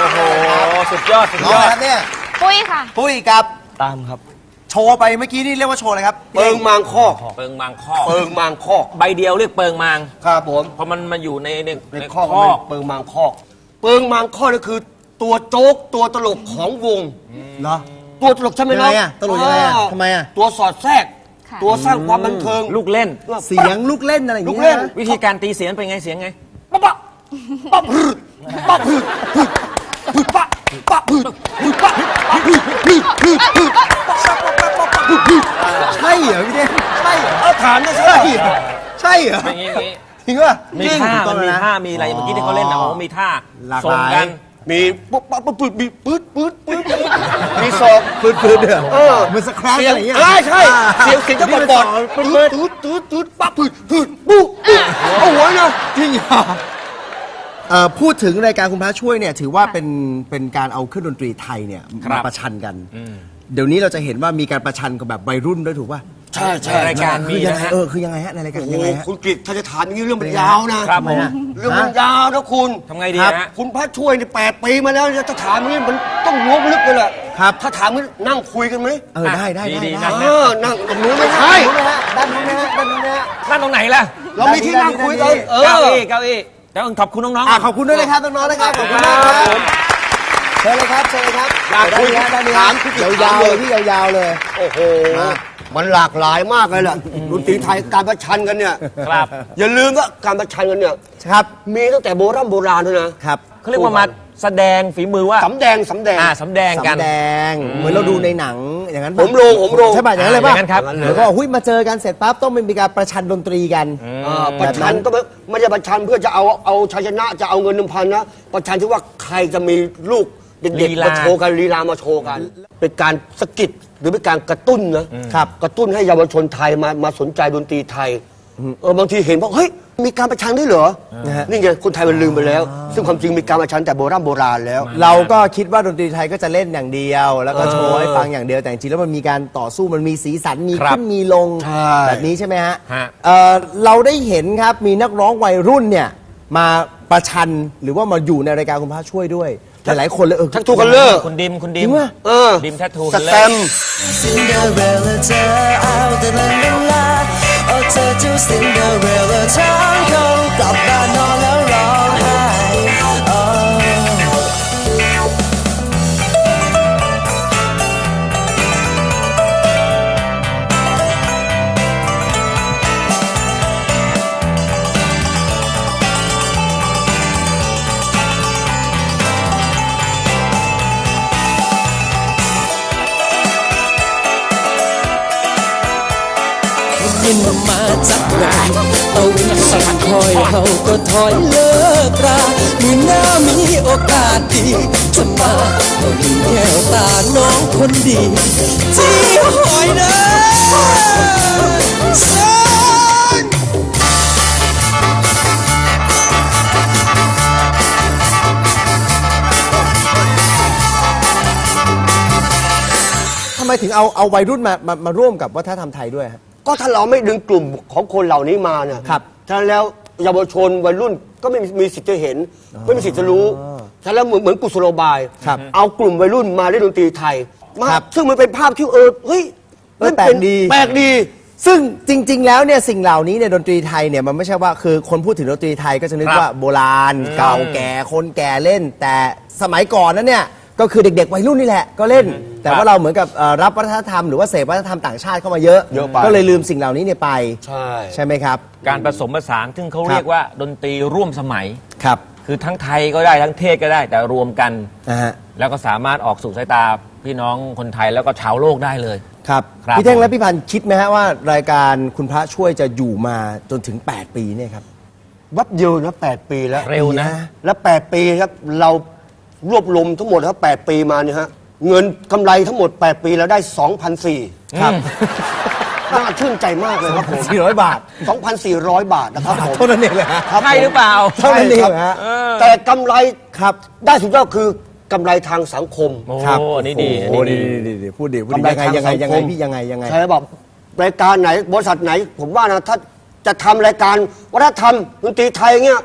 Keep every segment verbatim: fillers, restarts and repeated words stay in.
โอ้โหสุดยอดสุดน้องยออะไรดครับเนี่ยปุ้ยค่ะปุ้ยครับตามครับโชว์ไปเมื่อกี้นี่เรียกว่าโชว์อะไรครับเปิงมางคอกเปิงมางคอกเปิงมางคอกใบเดียวเรียกเปิงมางครับผมเพราะมันมาอยู่ในในในในคอกคอกเปิงมางคอก เปิงมางคอกนี่คือ ตัวโจ๊กตัวตลกของวงเหรอตัวตลกใช่ไหมยังน้ไงองอะตลกยังไงอะอ่าทำไมอะตัวสอดแทรกค่ะตัวสร้างความบันเทิงลูกเล่นเสียงลูกเล่นอะไรอย่างลูเงี้กเล่นยนะวิธีการตีเสียงเป็นไงเสียงไงปั๊บปั๊บปั๊บพืดปั๊บพืดพืดปั๊บปั๊บพืดพืดปั๊บปั๊บพืดพืดพืดพืดปั๊บปั๊บปั๊บปั๊บปั๊บพืดพืดใช่เหรอพี่เด้ใช่เหรอเอาถามนะใช่ใช่เหรอใช่เหรอเป็นอย่างนี้จริงป่ะมีจริงท่าถูกต้มัอน งมีนะท่ามีอะไรเมื่อกี้ที่เขาเล่นนะโอ้มีท่าหลากหลายส่งกันมีปั๊บปั๊บปั๊บพืดมีปื๊ดปื๊ดปื๊ดปื๊ดมีศอกปืนปืนเด้อเออเหมือนสแครปเสียอะงไรอย่างเงี้ยอ่าใช่เสียงเสียงจะบอดบอดปืนปื๊ปืดนปื๊ดปื๊ดปื๊ดปั๊บปื๊ดปื๊ดปุ๊บปุ๊บเอาหัวนะจริงเหรอเอ่อพูดถึงรายการคุณพระช่วยเนี่ยถือว่าเป็นเป็นการเอาเครื่องดนตรีไทยเนี่ยครับมาประชันกัน เดี๋ยวนี้เราจะเห็นว่ามีการประชันกับแบบวัยรุ่นด้วยถูกป่ะใช่ใช่รายการมีคือยังนะไงฮะเออคือยังไงฮะในรายการโอ้โหยังไงฮะคุณกฤษถ้าจะถามอย่างนี้เรื่องมันยาวนะครับผมเรื่องมันยาวนะคุณทำไงดีครับฮะคุณพระช่วยนี่แปดปีมาแล้วจะถามอย่างนี้มันต้องล้วงลึกเลยแหละครับถ้าถามมันนั่งคุยกันไหมเออได้ได้ได้ดีๆได้นะเออนั่งตรงนู้นไม่ใช่ด้านนู้นนะฮะด้านนู้นนะฮะด้านนู้นนะฮะนั่นตรงไหนล่ะเรามีที่นั่งคุยกันเอเก้าออี้เก้าอี้แล้วขอบคุณน้องๆอ่ะขอบคุณด้วยนะครับน้องๆนะครับขอบคุณมากครับเชิญเลยครับเชิญเลยครับอยากคุยด้านนี้ฮะด้านนี้ถาฮะมพี่ยาวๆถามเลเลย ยพี่ยาวๆเลยโอ้โหมันหลากหลายมากเลยแหละดนตรีไทยการประชันกันเนี่ยครับอย่าลืมว่าการประชันกันเนี่ยครับมีตั้งแต่โบราณโบราณด้วยนะครับเขาเรียกว่ามาแสดงฝีมือว่าสำแดงสำแดงอ่าสำแดงกันสำแดงเหมือนเราดูในหนังอย่างนั้นปะผมโรงผมโรงใช่ป่ะอย่างนั้นเลยป่ะอย่างนั้นครับแล้วก็หุ้ยมาเจอกันเสร็จปั๊บต้องมีการประชันดนตรีกันอ่าประชันก็ไม่ไม่ใช่ประชันเพื่อจะเอาเอาชัยชนะจะเอาเงินหนึ่งพันนะประชันที่ว่าใครจะมีลูกเด็กลีๆลามาโชว์กันลีลามาโชว์กัน เป็นการสะกิดหรือเป็นการกระตุ้นนะครับ กระตุ้นให้เยาวชนไทยมามาสนใจดนตรีไทยเออบางทีเห็นว่าเฮ้ยมีการประชันด้วยเหรอนะฮะนี่ไงคนไทยมันลืมไปแล้ว ซึ่งความจริงมีการประชันแต่โบราณโบราณแล้วเราก็คิดว่าดนตรีไทยก็จะเล่นอย่างเดียว แล้วก็โชว์ให้ฟังอย่างเดียวแต่จริงๆแล้วมันมีการต่อสู้มันมีสีสันมีครับขึ้นมีลงใช่แบบนี้ใช่ไหมฮะฮะเอ่อเราได้เห็นครับมีนักร้องวัยรุ่นเนี่ยมาประชันหรือว่ามาอยู่ในรายการคุณพระช่วยด้วยหลายๆคนเลยเออทักทูคัลเลอร์คุณดิมคุณจดิริมงป่ะเออดิมแททูสเลแตยมป์ซินเดอเรลล่าเธอเอาแต่ลาลาลาโอ้เธอเจ้าซินเดอเรลล่าทั้งเขากลับบ้านนอนแล้วร้องไห้โอ้ ยินมาจากไหนเอาสั่งคอยเฮาก็ถอยเลิกรามือหน้ามีโอกาสดีจะมาเอาดีแก้วตาน้องคนดีที่หอยเด้อสันทำไมถึงเอาเอาวัยรุ่นมามามาร่วมกับวัฒนธรรมไทยด้วยฮะก็ถ้าเราไม่ดึงกลุ่มของคนเหล่านี้มาเนี่ยครับฉะนั้นแล้วเยาวชนวัยรุ่นก็ไม่มีสิทธิ์จะเห็น ไม่มีสิทธิ์จะรู้ฉะนั้นแล้วเหมือนเหมือนกุศโลบายครับเอากลุ่มวัยรุ่นมาเล่นดนตรีไทยมาครับซึ่งมันเป็นภาพที่เออเฮ้ยเออแปลกดีแปลกดีซึ่งจริง ๆ แล้วเนี่ยสิ่งเหล่านี้เนี่ยดนตรีไทยเนี่ยมันไม่ใช่ว่าคือคนพูดถึงดนตรีไทยก็จะนึกครับว่าโบราณเก่าแก่คนแก่เล่น แต่สมัยก่อนนั้นเนี่ยก็คือเด็ก ๆ วัยรุ่นนี่แหละก็เล่น แต่ว่าเราเหมือนกับเอ่อรับวัฒนธรรมหรือว่าเสพวัฒนธรรมต่างชาติเข้ามาเยอะเยอะไปก็เลยลืมสิ่งเหล่านี้เนี่ยไปใช่ใช่ไหมครับการผสมผสานซึ่งเขาครับเรียกว่าดนตรีร่วมสมัยครับคือทั้งไทยก็ได้ทั้งเทศก็ได้แต่รวมกันนะฮะแล้วก็สามารถออกสู่สายตาพี่น้องคนไทยแล้วก็ชาวโลกได้เลยครับครับพี่เท่งและพี่พันธ์คิดไหมฮะว่ารายการคุณพระช่วยจะอยู่มาจนถึง แปด ปีเนี่ยครับวับเดียวนะแปดปีแล้วเร็วนะและแปดปีครับเรารวบรวมทั้งหมดครับแปดปีมาเนี่ยฮะเงินกำไรทั้งหมดแปดปีแล้วได้ สองพันสี่ร้อยครับน่าชื่นใจมากเลยครับผมสี่ร้อยบาทสองพันสี่ร้อย บาทนะครับผมเท่านั้นเองเลยฮะครับใช่หรือเปล่าเท่านั้นเองเหรอฮะแต่กำไรครับได้สุดยอดคือกำไรทางสังคมโอ้ครับอันนี้ดีอันโอ้นี้ดีดีดีดีพูดดีพูดกำดีไรยังไงทางยังไงสังยังคไงมพี่ยังไงยังไงใช่แบบรายการไหนบริษัทไหนผมว่านะถ้าจะทำรายการวัฒนธรรมดนตรีไทยเงี้ย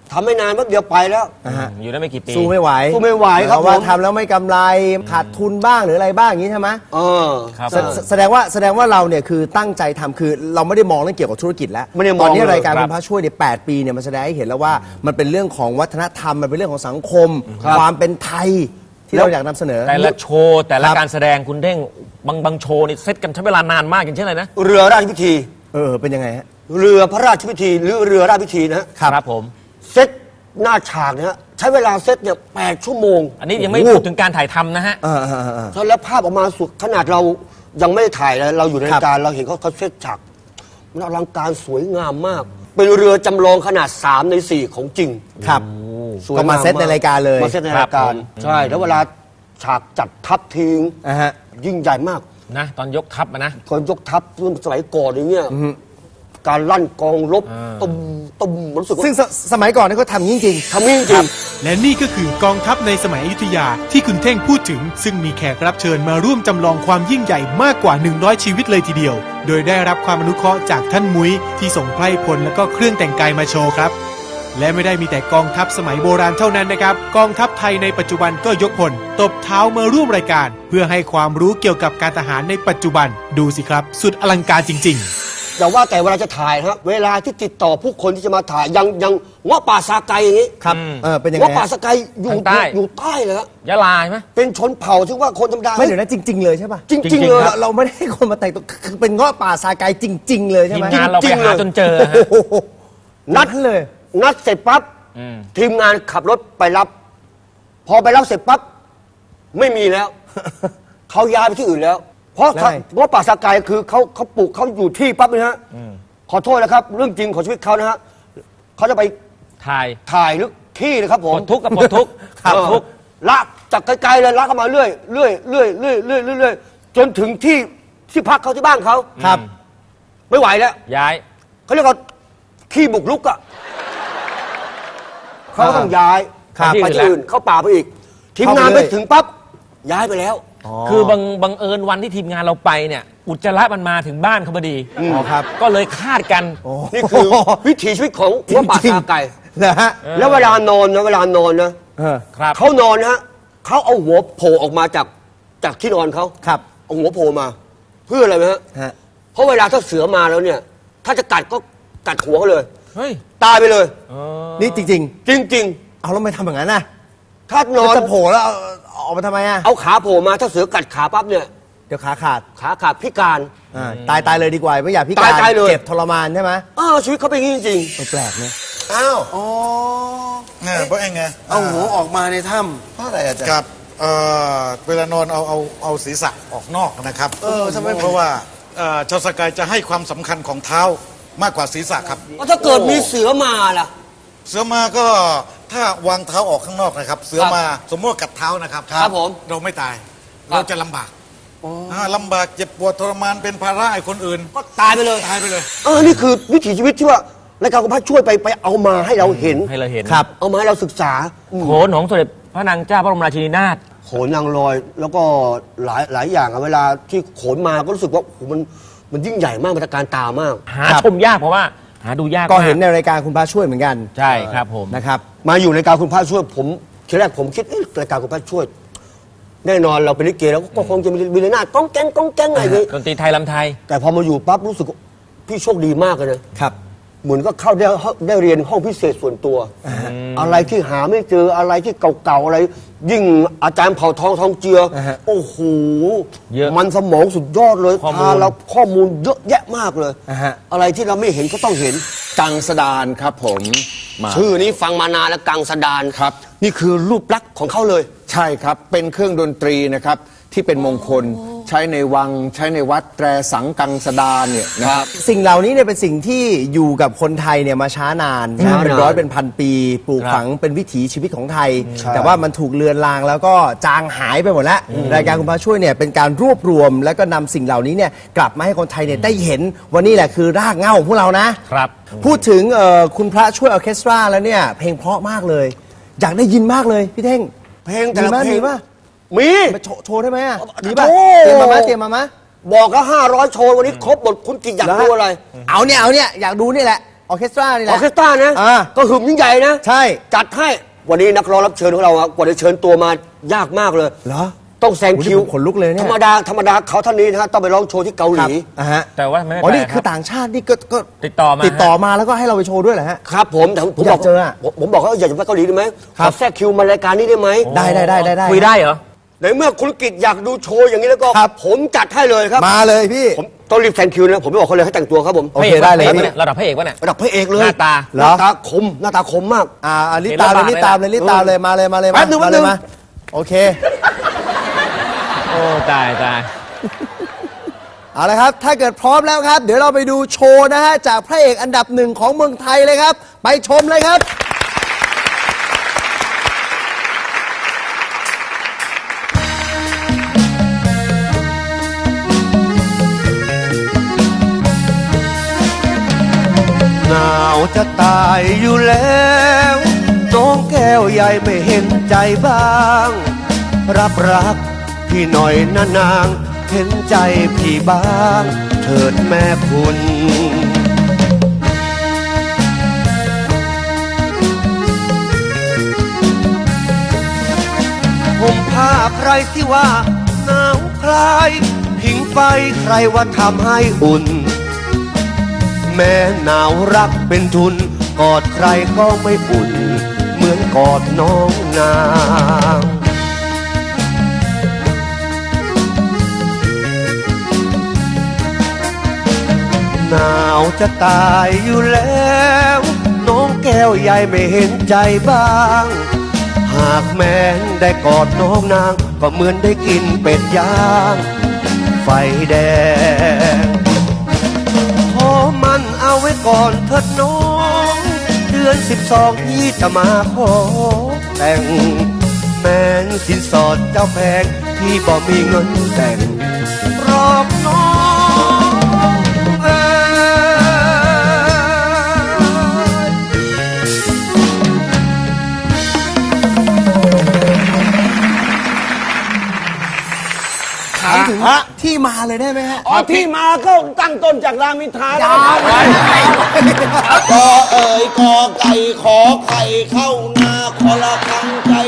ทำไม่นานแป๊บเดียวไปแล้วอยู่ได้ไม่กี่ปีสู้ไม่ไหวสู้ไม่ไหวครับเพาะว่าผมทำแล้วไม่กำไรขาดทุนบ้างหรืออะไรบ้างอย่างนี้ใช่ไหมเออครับแสแสดงว่าแสดงว่าเราเนี่ยคือตั้งใจทำคือเราไม่ได้มองเรื่องเกี่ยวกับธุรกิจแล้วไม่ได้มองตอนนี้รายการเลยคุณพระช่วยเนี่ยแปดปีเนี่ยมันแสดงให้เห็นแล้วว่ามันเป็นเรื่องของวัฒนธรรมมันเป็นเรื่องของสังคม ความเป็นไทยที่เราอยากนำเสนอแต่ละโชว์แต่ละครับการแสดงคุณเท่งบางบางโชว์นี่เซตกันใช้เวลานานมากอย่างเช่นอะไรนะเรือราชพิธีเออเป็นยังไงฮะเรือพระราชพิธีหรือเรือราชพิธีนะฮะครับผมเซตหน้าฉากเนี่ยฮะใช้เวลาเซตเนี่ยแปดชั่วโมงอันนี้ยังไม่พูดถึงการถ่ายทำนะฮะเออเออเออเออแล้วภาพออกมาสุดขนาดเรายังไม่ได้ถ่ายเลยเราอยู่ในครับรายการเราเห็นเขาเขาเซตฉากมันอลังการสวยงามมาก เป็นเรือจำลองขนาดสามในสี่ของจริงครับสวยก็มาเซตในรายการเลยมาเซตในรายการครับผมใช่แล้วเวลาฉากจัดทัพทิ้งอ่าฮะยิ่งใหญ่มากนะตอนยกทัพอะนะคนยกทัพรุ่นสมัยก่อนอย่างเงี้ยการลั่นกองรบตุ้มตุ้มรู้สึกว่าซึ่งสสมัยก่อนนี่เขาทำจริงทำนี่จริงและนี่ก็คือกองทัพในสมัยอยุธยาที่คุณเท่งพูดถึง ซึ่งมีแขกรับเชิญมาร่วมจำลองความยิ่งใหญ่มากกว่า หนึ่งร้อย ชีวิตเลยทีเดียว โดยได้รับความอนุเคราะห์จากท่านมุ้ยที่ส่งไพร่พลและก็เครื่องแต่งกายมาโชว์ครับ และไม่ได้มีแต่กองทัพสมัยโบราณเท่านั้นนะครับ กองทัพไทยในปัจจุบันก็ยกพลตบเท้ามาร่วมรายการ เพื่อให้ความรู้เกี่ยวกับการทหารในปัจจุบันดูสิครับ สุดอลังการจริง ๆแต่ว่าแต่เวลาจะถ่ายนะครับเวลาที่ติดต่อผู้คนที่จะมาถ่ายยังยังเงาะป่าซาไกอย่างนี้ๆ ครับเออเป็นยังไงเงาะป่าฮะซาไกอยู่ทางใต้อยู่ใต้เลยครับยะลาใช่ไหมเป็นชนเผ่าที่ว่าคนธรรมดาไม่เดี๋ยวนะจริง ๆ เลยใช่ป่ะจริงจริๆงๆเลยคเรารับเราไม่ได้ให้คนมาแต่งตัวคือเป็นเงาะป่าซาไกจริง ๆ เลยใช่ทีไหมมงานเราไปจริงๆหาเลยจนเจอฮะโอ้โหนัดนั่นเลยนัดเสร็จปั๊บอืมทีมงานขับรถไปรับ พอไปรับเสร็จปั๊บไม่มีแล้ว เขาย้ายไปที่อื่นแล้ว เพราะแล้วไงเพราะป่าซาไกคือเขาเขาปลูกเขาอยู่ที่ปั๊บนะฮะขอโทษนะครับ เรื่องจริงของชีวิตเขานะฮะเขาจะไปถ่ายถ่ายหรือขี้นะครับผปมลดทุกข์กับปลดทุกข์ครับปลดทุกข์ลากจากไกลๆเลยลากเข้ามาเรื่อยเรื่อยเรื่อยเรื่อยเรื่อยเรื่อยเรื่อยจนถึงที่ที่พักเขาที่บ้านเขาครับไม่ไหวแล้วย้ายเขาเรียกว่าขี้บุกลุกอะเขาก็ต้องย้ายครับไปที่อื่นเข้าป่าไปอีก ทีมงานเข้าไปไปเลยถึงปั๊บย้ายไปแล้วคือบังบังเอิญวันที่ทีมงานเราไปเนี่ย อุจจาระมันมาถึงบ้านเขาพอดีอ๋อครับก็เลยคาดกันนี่คือวิถีชีวิตของหัวป่าซาไก่นะฮะแล้วเวลานอนนะเวลานอนนะเออครับเขานอนนะฮะเขาเอาหัวโผล่ออกมาจากจากที่นอนเขาครับเอาหัวโผล่มา เพื่ออะไรไหมฮะฮะเพราะเวลาถ้าเสือมาแล้วเนี่ย ถ้าจะกัดก็กัดหัวเขาเลยเฮ้ยตายไปเลยนี่จริงจริงๆ เอาแล้วไม่ทำอย่างนั้นนะๆ ถ้านอนจะโผล่แล้วเอาเอาออกมาทำไมอ่ะเอาขาโผล่มาถ้าเสือกัดขาปั๊บเนี่ยเดี๋ยวขาขาดขาขาดพิการอ่าตายตายเลยดีกว่าไม่อยากพิการตายตายเลยเจ็บทรมานใช่ไหมเออชีวิตเขาเป็นอย่างนี้จริงเออแปลกนะอ้าวอ๋อเนี่ยเพราะเองไงเอาหัวออกมาในถ้เพราะอะไรอาจารย์ครับเอ่อเวลานอนเอาเอาเอาศีรษะออกนอกนะครับเออทำไมเพราะว่าเอ่อชาวสกายจะให้ความสำคัญของเท้ามากกว่าศีรษะครับๆก็ถ้าเกิดมีเสือมาล่ะเสือมาก็ถ้าวางเท้าออกข้างนอกนะครับ เสือมาสมมติว่ากัดเท้านะครับครับผมเราไม่ตาย เราจะลำบากาลำบากเจ็บปวดทรมานเป็นภาระให้คนอื่นก็ตายไปเลยตายไปเลยเออ นี่คือวิถีชีวิตที่ว่ารายการของพระช่วยไปไปเอามาให้เราเห็นให้เราเห็นครับเอามาให้เราศึกษาโขนของสมเด็จพระนางเจ้าพระบรมราชินีนาถโขนนางลอย แล้วก็หลายหลายอย่างอะเวลาที่โขนมาก็รู้สึกว่าโอ้โหมันมันยิ่งใหญ่มากมันตระการตามากหาครับชมยากเพราะว่า หาดูยากก็เห็นมากในรายการคุณพระช่วยเหมือนกันใช่ครับผมนะครับมาอยู่ในการคุณพระช่วยผมทีแรกผมคิดเอ๊ะรายการคุณพระช่วย แน่นอนเราเป็นลิเกแล้วก็คงจะมีมีระนาดก้องแก้งก้องแก้งอะไรอย่างนี้ดนตรีไทยลำไทยแต่พอมาอยู่ปั๊บรู้สึกว่าพี่โชคดีมากเลยนะครับเหมือนก็เข้าได้ได้เรียนห้องพิเศษส่วนตัว อะไรที่หาไม่เจออะไรที่เก่าๆอะไร ยิ่งอาจารย์เผ่าทองทองเจืออ่าฮะโอ้โหเยอะมันสมองสุดยอดเลยข้อมูลพาเราข้อมูลเยอะแยะมากเลยอ่าฮะอะไรที่เราไม่เห็นก็ต้องเห็นำกังสดานครับผมมาชื่อนี้ฟังมานานแล้วกังสดานครับนี่คือรูปลักษณ์ของเขาเลยใช่ครับ เป็นเครื่องดนตรีนะครับ ที่เป็นมงคลใช้ในวังใช้ในวัดแตรสังกังสดานเนี่ยนะครับสิ่งเหล่านี้เนี่ยเป็นสิ่งที่อยู่กับคนไทยเนี่ยมาช้านานช้านานเป็นร้อยเป็นพันปี ปลูกครับฝังเป็นวิถีชีวิตของไทยใช่แต่ว่ามันถูกเลือนลางแล้วก็จางหายไปหมดแล้ว รายการคุณพระช่วยเนี่ยเป็นการรวบรวม แล้วก็นำสิ่งเหล่านี้เนี่ยกลับมาให้คนไทยเนี่ยได้เห็นว่านี่แหละคือรากเหง้าของพวกเรานะครับพูดถึงเอ่อคุณพระช่วยออร์เคสตราแล้วเนี่ยเพลงเพราะมากเลย อยากได้ยินมากเลยพี่เท่งเพลงแต่ละมีมั้ยเพลงมีป่ะมีมาโชว์โชว์ได้ไหมอ่ะมีป่ะโอ้เตรียมมาไหมเตรียมมาไหมบอกก็ห้าร้อยโชว์วันนี้ครบหมดคุณกิจอยากดูอะไรเอาเนี่ยเอาเนี่ยอยากดูนี่แหละออร์เคสตรานี่แหอละอร์เคสตรานะอ่าก็คือยิ่งใหญ่นะใช่จัดให้วันนี้นักร้องรับเชิญของเราอะกว่าจะเชิญตัวมายากมากเลยเหรอต้องแซงคิวโอ้โหผมขนลุกเลยเนี่ยธรรมดาธรรมดาเขาท่านนี้นะฮะต้องไปร้องโชว์ที่เกาหครัลีบอ่ะฮะแต่ว่าไม่อ๋อไปนี่คคือรับต่างชาตินี่ก็ก็ติดต่อมาติดต่อมาแล้วก็ให้เราไปโชว์ด้วยเหรอฮะครับผมแต่ผมอยากบอกเจออะผมผมบอกเขาอยากจะไปเกาหลีได้ไหมครัขอบ แทรกคิวมารายการนี้ได้ไหมได้ได้ได้ได้ได้คุยได้เหรอในเมื่อคุณกิจอยากดูโชว์อย่างนี้แล้วก็ครับผมจัดให้เลยครับมาเลยพี่ผมต้องรีบแซงคิวนะผมไม่บอกเขาเลยให้แต่งตัวครับผมโอเคได้เลยพระพี่อกปะนี่ระดับพระเอกวะเนี่ยระดับพระเอกเลยหน้าตาเหรหน้าอตาคมหน้าตาคมมากอ่าอ่ารีบตามเลยรีบตามเลยรีบตามเลยมาเลยมาเลยแป๊บนึงมาแป๊บเลนึยงมาโอเคโอ้ตายตายเอาละครับ ถ้าเกิดพร้อมแล้วครับ เดี๋ยวเราไปดูโชว์นะฮะ จากพระเอกอันดับหนึ่งของเมืองไทยเลยครับ ไปชมเลยครับหนาวจะตายอยู่แล้วน้องแก้วใหญ่ไม่เห็นใจบ้าง รับรักพี่หน่อยนะนาง เห็นใจพี่บ้างเถิดแม่คุณ ผมผ้าใครที่ว่าหนาวคลายผิงไฟใครว่าทำให้อุ่น แม้หนาวรักเป็นทุน กอดใครก็ไม่อุ่น เหมือนกอดน้องนางหนาวจะตายอยู่แล้ว น้องแก้วใหญ่ไม่เห็นใจบ้าง หากแม้นได้กอดน้องนาง ก็เหมือนได้กินเป็ดย่างไฟแดงขอมันเอาไว้ก่อนเถิดน้อง เดือนสิบสองพี่จะมาขอแต่ง แม้นสินสอดเจ้าแพงพี่บ่มีเงินแต่งรอบน้องเอ้ยถามถึงที่มาเลยได้ไหมฮะอ๋อที่มาก็ตั้งต้นจากรามอินทราแล้วกอเอ่ยกอไก่ขอไข่เข้านาคอละคังใจ